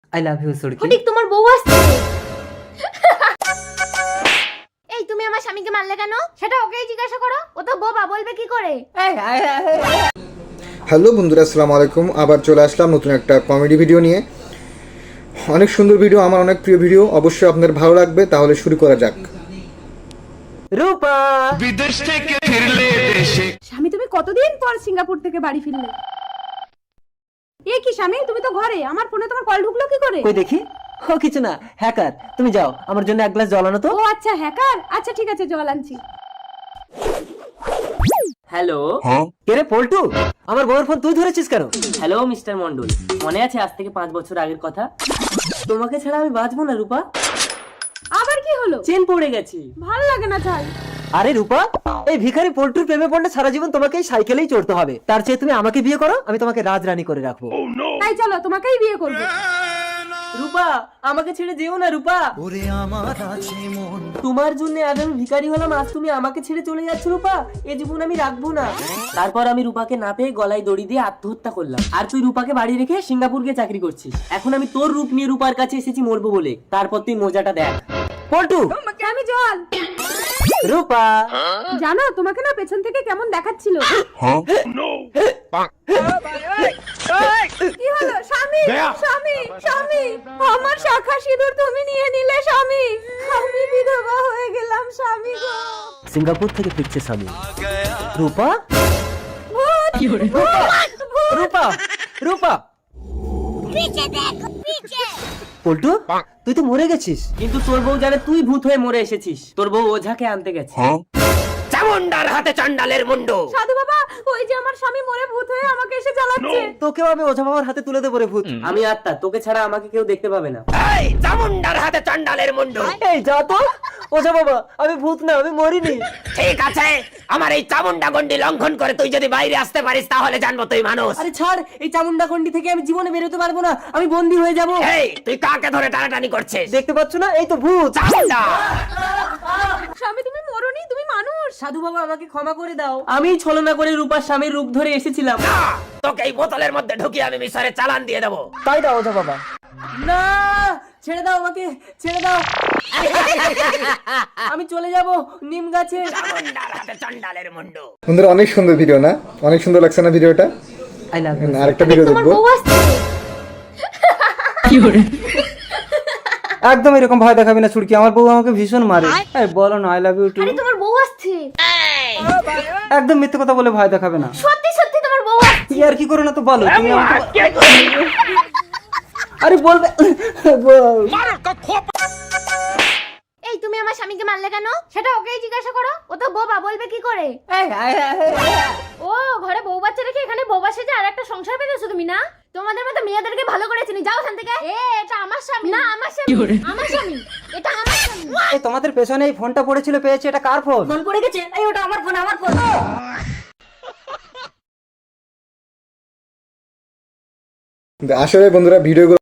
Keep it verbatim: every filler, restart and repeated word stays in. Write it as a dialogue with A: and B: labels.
A: I love you Surki.
B: Phatik তোমার বউ আসছে। এই তুমি আমার স্বামীকে মারলে কেন? সেটা ওকেই জিজ্ঞাসা করো, ও তো বোবা, বলবে কি করে?
C: হ্যালো বন্ধুরা, আসসালামু আলাইকুম। আবার চলে আসলাম নতুন একটা কমেডি ভিডিও নিয়ে। অনেক সুন্দর ভিডিও, আমার অনেক প্রিয় ভিডিও, অবশ্যই আপনাদের ভালো লাগবে। তাহলে শুরু করা যাক।
A: রূপা
D: বিদেশ থেকে ফিরলে দেশে।
E: স্বামী তুমি কতদিন পর সিঙ্গাপুর থেকে বাড়ি ফিরলে? এ কি স্বামী, তুমি তো ঘরে, আমার ফোনে তোমার কল ঢুকলো কি করে?
A: কই দেখি। ও কিছু না, হ্যাকার। তুমি যাও, আমার জন্য এক গ্লাস জল আনো তো।
E: ও আচ্ছা, হ্যাকার। আচ্ছা ঠিক আছে, জল আনছি।
F: হ্যালো।
A: কে রে পল্টু? আমার বউয়ের ফোন তুই ধরেছিস কেন?
F: হ্যালো মিস্টার মন্ডল, মনে আছে আজ থেকে পাঁচ বছর আগের কথা? তোমাকে ছাড়া আমি বাঁচবো না রূপা।
E: আবার কি হলো?
F: চেন পড়ে গেছি।
E: ভালো লাগে না চাই।
A: আরে রূপা, এই ভিখারি পল্টুর প্রেমে পড়লে সারা জীবন তোমাকে এই সাইকেলেই চড়তে হবে। তার চেয়ে তুমি আমাকে বিয়ে করো, আমি তোমাকে রাজরানী করে রাখবো।
E: তাই চলো, তোমাকেই বিয়ে করবো।
F: রূপা আমাকে ছেড়ে যেও না রূপা। তোমার জন্য আজ আমি ভিখারি হলাম, আজ তুমি আমাকে ছেড়ে চলে যাচ্ছ রূপা। এ জীবন আমি রাখবো না। তারপর আমি রূপাকে না পেয়ে গলায় দড়ি দিয়ে আত্মহত্যা করলাম। আর তুই রূপাকে বাড়ি রেখে সিঙ্গাপুর গিয়ে চাকরি করছিস। এখন আমি তোর রূপ নিয়ে রূপার কাছে এসেছি মরবো বলে। তারপর তুই মজাটা দেখ।
A: পল্টু,
E: আমি জল।
A: রূপা
E: জানো তোমাকে না পেছন থেকে কেমন দেখাচ্ছিল। কি হলো স্বামী? স্বামী, স্বামী, আমার শাখা সিঁদুর তুমি নিয়ে নিলে স্বামী। আমি বিধবা হয়ে গেলাম স্বামী গো।
A: সিঙ্গাপুর থেকে ফিরছে স্বামী। রূপা রূপা রূপা পল্টু, তুই তো মরে গেছিস।
F: কিন্তু তোর বউ জানে তুই ভূত হয়ে মরে এসেছিস। তোর বউ ওঝাকে আনতে গেছে। চামুন্ডার হাতে চান্ডালের মুন্ডু।
E: সাধু বাবা, ওই যে আমার স্বামী মরে ভূত হয়ে আমাকে এসে জ্বালাচ্ছে।
A: তোকেও আমি ওঝা বাবার হাতে তুলে দেবো রে ভূত।
F: আমি আত্মা, তোকে ছাড়া আমাকে কেউ দেখতে পাবে না।
D: এই চামুন্ডার হাতে চান্ডালের মুন্ডু।
A: এই যা তো, ওঝা বাবা, আমি ভূত না, আমি মরিনি।
D: ঠিক আছে, আমার এই চামুন্ডা গন্ডি লঙ্ঘন করে তুই যদি বাইরে আসতে পারিস তাহলে জানবো তুই মানুষ।
F: আরে ছাড়, এই চামুন্ডা খন্ডি থেকে আমি জীবনে বেরোতে পারবো না। আমি বন্দী হয়ে যাব।
D: এই তুই কাকে ধরে টানাটানি করছিস?
A: দেখতে পাচ্ছ না, এই তো ভূত।
D: চামুন্ডা
E: স্বামী তুমি মরনি, তুমি মানুষ।
F: সাধু বাবা আমাকে ক্ষমা করে দাও। আমি ছলনা করে রূপার স্বামীর রূপ ধরে এসেছিলাম।
D: না, তোকে এই বোতলের মধ্যে ঢুকিয়ে আমি মিশরে চালান দিয়ে দেবো।
A: তাই দাও ওঝা বাবা।
F: না, ছেড়ে দাও আমাকে, ছেড়ে দাও। আমি চলে যাব নিম গাছে।
D: চামুন্ডার হাতে চান্ডালের মুন্ডু।
C: বন্ধুরা, অনেক সুন্দর ভিডিও না? অনেক সুন্দর লাগছে না ভিডিওটা?
A: I love you.
C: আরেকটা ভিডিও
B: তোমার
C: দেখবো।
B: বউ আসছে।
G: একদম এরকম ভয় দেখাবি না ছুড়কি, আমার বউ আমাকে ভীষণ মারে। এই বলো না আই লাভ ইউ টু।
B: আরে তোমার বউ আসছে।
G: একদম মিথ্যে কথা বলে ভয় দেখাবে না।
B: সত্যি সত্যি তোমার বউ আসছে।
G: কি আর কি করো না তো বলো তুমি আমাকে। আরে বলবে বল।
B: এই তুমি আমার স্বামীকে মারলে কেন? সেটা ওকেই জিজ্ঞাসা করো, ও তো বোবা, বলবে কি করে? ও ঘরে বউ বাচ্চা রেখে এখানে বউ বাসে যে আর একটা সংসার পেতেছো তুমি না? তোমাদের মতো মেয়েদেরকে ভালো করে চিনি, যাও এখান থেকে। এ এটা আমার স্বামী না, আমার স্বামী, আমার স্বামী, এটা আমার স্বামী।
G: এই তোমাদের পেছনে এই ফোনটা পড়েছিল, পেয়েছে, এটা কার ফোন?
B: ফোন পড়ে গেছে, এই ওটা আমার ফোন, আমার ফোন।
C: আসলে বন্ধুরা, ভিডিওগুলো